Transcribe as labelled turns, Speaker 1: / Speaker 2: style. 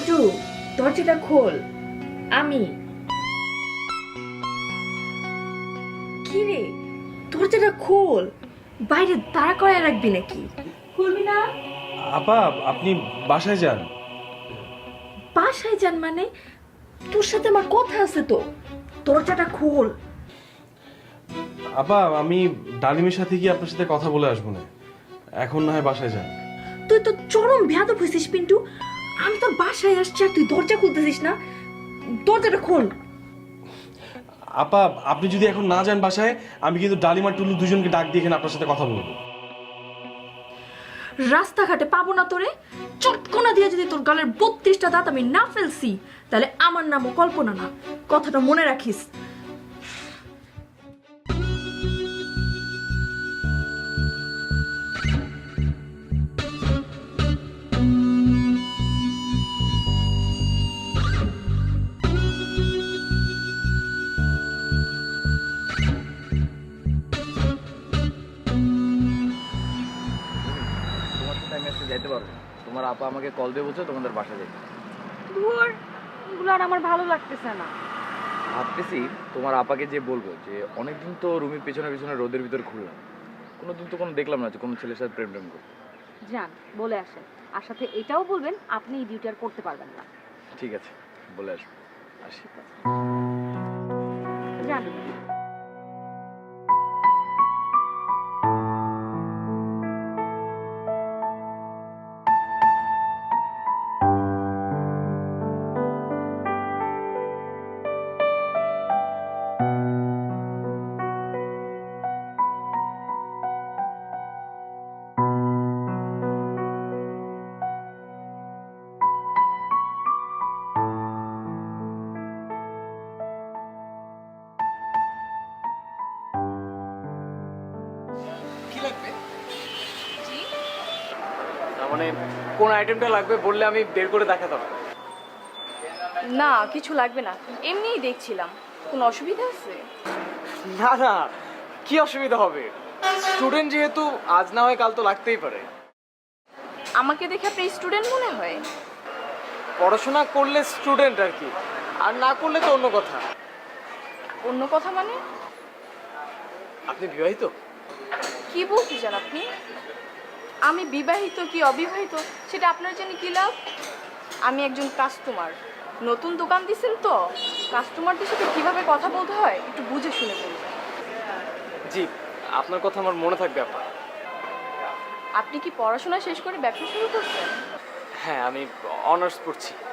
Speaker 1: পিন্টু, দরজাটা খোল। আমি কি রে, দরজাটা খোল। বাইরে দাঁড়া করায় রাখবি নাকি? খুলবি না?
Speaker 2: আপা আপনি বাসায় যান।
Speaker 1: বাসায় যান মানে? তোর সাথে আমার কথা আছে তো, দরজাটা খোল।
Speaker 2: আপা আমি ডালিমের সাথে গিয়ে আপনার সাথে কথা বলে আসবো না, এখন না হয় বাসায় যান।
Speaker 1: তুই তো চরম বেয়াদব হয়েছিস পিন্টু। আমি তোর বাসায় আসছি আর তুই দরজা খুলতেছিস না। দরজাটা খোল।
Speaker 2: আপা আপনি যদি এখন না যান বাসায়, আমি কিন্তু ডালিম আর টুলু দুজনকে ডাক দিয়ে এখানে আপনার সাথে কথা বলবো।
Speaker 1: রাস্তাঘাটে পাবো না তোরে। চটকনা দিয়ে যদি তোর গালের 32টা দাঁত আমি না ফেলছি, তাহলে আমার নামও কল্পনা না, কথাটা মনে রাখিস।
Speaker 3: তোমার সাথে আমি আজকে যাইতে পারবো না। তোমার আপা আমাকে কল দিয়ে বলছে তোমাদের বাসা যাইতে।
Speaker 4: ধুর, এগুলো আর আমার ভালো লাগতেছে না।
Speaker 3: ভাবতেছি তোমার আপাকে যে বলবো যে অনেকদিন তো রুমির পেছনে পেছনে রোদের ভিতর ঘুরলাম, কোনোদিন তো কোনো দেখলাম না যে কোনো ছেলের সাথে প্রেম করতে।
Speaker 4: যান, বলে আসেন। আর সাথে এটাও বলবেন আপনি এই ডিউটি আর করতে পারবেন না।
Speaker 3: ঠিক আছে, বলে আসবো। আসি।
Speaker 4: যান।
Speaker 3: তার মানে কোন আইটেমটা লাগবে বললে আমি বের করে দেখাতাম।
Speaker 4: না, কিছু লাগবে না, এমনিই দেখছিলাম। কোনো অসুবিধা আছে?
Speaker 5: না না, কি অসুবিধা হবে? স্টুডেন্ট যেহেতু আজ না হয় কাল তো লাগতেই পারে।
Speaker 4: আমাকে দেখে আপনি স্টুডেন্ট মনে হয়?
Speaker 5: পড়াশোনা করলে স্টুডেন্ট আর কি, আর না করলে তো অন্য কথা।
Speaker 4: অন্য কথা মানে?
Speaker 5: আপনি বিবাহিত?
Speaker 4: কি বলতে চান আপনি? আমি বিবাহিত কি অবিবাহিত সেটা আপনার জন্য কি লাভ? আমি একজন কাস্টমার। নতুন দোকান দিয়েছেন তো, কাস্টমারদের সাথে কিভাবে কথা বলতে হয় একটু বুঝে শুনে বলবেন।
Speaker 5: জি, আপনার কথা আমার মনে থাকবে আপা।
Speaker 4: আপনি কি পড়াশোনা শেষ করে ব্যবসা শুরু করছেন?
Speaker 5: হ্যাঁ, আমি অনার্স পড়ছি।